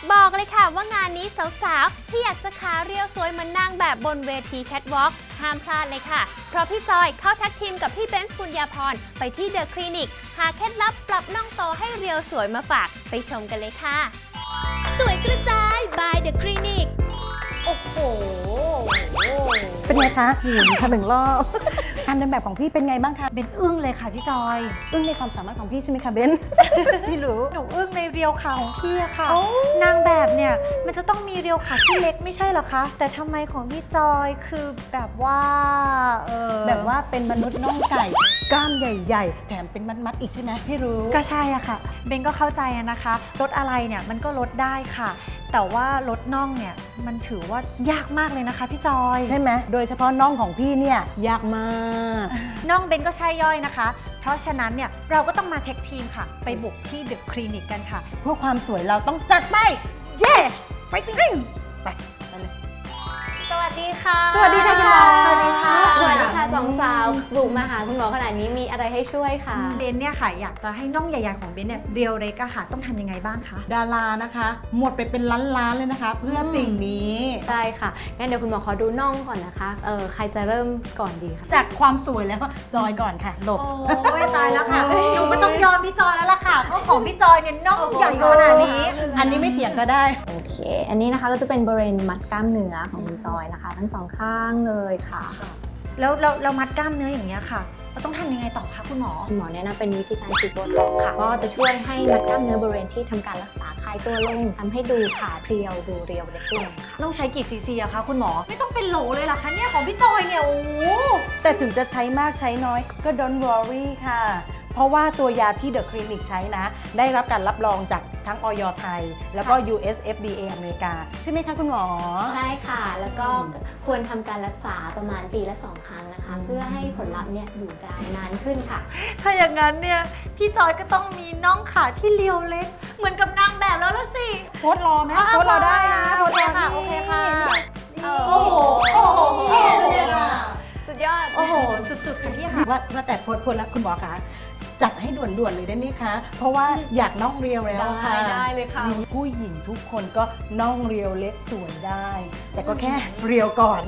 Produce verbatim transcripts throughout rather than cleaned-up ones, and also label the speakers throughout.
Speaker 1: บอกเลยค่ะว่างานนี้สาวๆที่อยากจะขาเรียวสวยเหมือนนางแบบบนเวทีแคทวอล์กห้ามพลาดเลยค่ะเพราะพี่จอยเข้าแท็กทีมกับพี่เบนซ์ปุญญาพรไปที่เดอะคลินิกหาเคล็ดลับปรับน่องโตให้เรียวสวยมาฝากไปชมกันเลยค่ะ
Speaker 2: สวยกระจาย by The Clinic
Speaker 1: โอ้โห
Speaker 3: เป็นไงคะหมุนค่ะหนึ่งรอบการเดินแบบของพี่เป็นไงบ้างคะ
Speaker 4: เบนอึ้งเลยค่ะพี่จอย
Speaker 3: อึ้งในความสามารถของพี่ใช่ไหมคะเบนพี่รู้
Speaker 4: หนูอึ้งในเรียวขาของพี่อะค่ะนางแบบเนี่ยมันจะต้องมีเรียวขาที่เล็กไม่ใช่หรอคะแต่ทำไมของพี่จอยคือแบบว่าเออ
Speaker 3: แบบว่าเป็นมนุษย์น่องไก่กล้ามใหญ่ๆแถมเป็นมัดๆอีกใช่ไหมพี่รู้
Speaker 4: ก็ใช่อะค่ะเบนก็เข้าใจนะคะลดอะไรเนี่ยมันก็ลดได้ค่ะแต่ว่าลดน่องเนี่ยมันถือว่ายากมากเลยนะคะพี่จอย
Speaker 3: ใช่ไหมโดยเฉพาะน่องของพี่เนี่ยยากมาก
Speaker 4: น่องเบนก็ใช่ย่อยนะคะเพราะฉะนั้นเนี่ยเราก็ต้องมาเทคทีมค่ะไปบุกที่เดอะคลินิกกันค่ะ
Speaker 3: เพื่อความสวยเราต้องจัดไป yes fighting ไปไปเลย
Speaker 1: สวัสดีค่ะ
Speaker 3: สวัสดีค่ะคุณหมอ
Speaker 1: สวัสดีค่ะสวัสดีค่ะสองสาวบุกมาหาคุณหมอขนาดนี้มีอะไรให้ช่วยค่ะ
Speaker 4: เบนเนี่ยค่ะอยากจะให้น่องใหญ่ๆของเบนเนี่ยเรียวเล็กอะค่ะต้องทำยังไงบ้างคะ
Speaker 3: ดารานะคะหมดไปเป็นล้านๆเลยนะคะเพื่อสิ่งนี้
Speaker 1: ใช่ค่ะงั้นเดี๋ยวคุณหมอขอดูน่องก่อนนะคะเออใครจะเริ่มก่อนดีคะ
Speaker 3: จากความสวยแล้วจอยก่อนค่ะหลบ
Speaker 4: โอ้ยตายแล้วค่ะหนูก็ต้องยอมพี่จอยแล้วล่ะค่ะเพราะของพี่จอยเนี่ยน่องใหญ่ขนาดนี้
Speaker 3: อันนี้ไม่เถียงก็ได้
Speaker 1: โอเคอันนี้นะคะก็จะเป็นบริเวณมัดกล้ามเนื้อของคุณจอยนะคะทั้งสองข้างเลยค่ะ
Speaker 4: แล้วเราเรามัดกล้ามเนื้ออย่างเงี้ยค่ะเราต้องทำยังไงต่อคะคุณหมอ
Speaker 1: คุณหมอแนะนำเป็นวิธีการฉีดโบท็อกซ์ค่ะก็จะช่วยให้มัดกล้ามเนื้อบริเวณที่ทำการรักษาคลายตัวลงทำให้ดูขาเพรียวดูเรียวเล็กลงค่ะ
Speaker 4: ต้องใช้กี่ซีซีอะคะคุณหมอไม่ต้องเป็นโหลเลยหรอคะเนี่ยของพี่จอยเนี่ยโอ้
Speaker 3: แต่ถึงจะใช้มากใช้น้อยก็ don't worry ค่ะเพราะว่าตัวยาที่เดอะคลินิกใช้นะได้รับการรับรองจากทั้งอย.ไทยแล้วก็ ยู เอส เอฟ ดี เอ อเมริกาใช่ไหมคะคุณหมอ
Speaker 1: ใช่ค่ะแล้วก็ควรทำการรักษาประมาณปีละสองครั้งนะคะเพื่อให้ผลลัพธ์เนี่ยอยู่ได้นานขึ้นค่ะ
Speaker 4: ถ้าอย่างนั้นเนี่ยพี่จอยก็ต้องมีน่องขาที่เรียวเล็กเหมือนกับนางแบบแล้วละสิ
Speaker 3: โพสรอไหมโพสรอได้นะ
Speaker 4: โพสรอค่ะโอเคค่ะ
Speaker 1: โอ้โหโอ้โหสุดยอด
Speaker 4: โอ้โหสุดๆค่ะพี่ค่ะ
Speaker 3: ว่าว่าแต่โพสโพสแล้วคุณหมอคะจัดให้ด่วนๆเลยได้ไหมคะเพราะว่าอยากน่องเรียวแล้วค่ะ
Speaker 1: ได้เลยค่ะ
Speaker 3: ผู้หญิงทุกคนก็น่องเรียวเล็กสวยได้แต่ก็แค่เรียวก่อน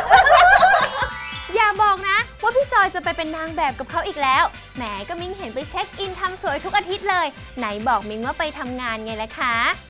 Speaker 1: อย่าบอกนะว่าพี่จอยจะไปเป็นนางแบบกับเขาอีกแล้วแหมก็มิ้งเห็นไปเช็คอินทำสวยทุกอาทิตย์เลยไหนบอกมิ้งว่าไปทำงานไงล่ะคะ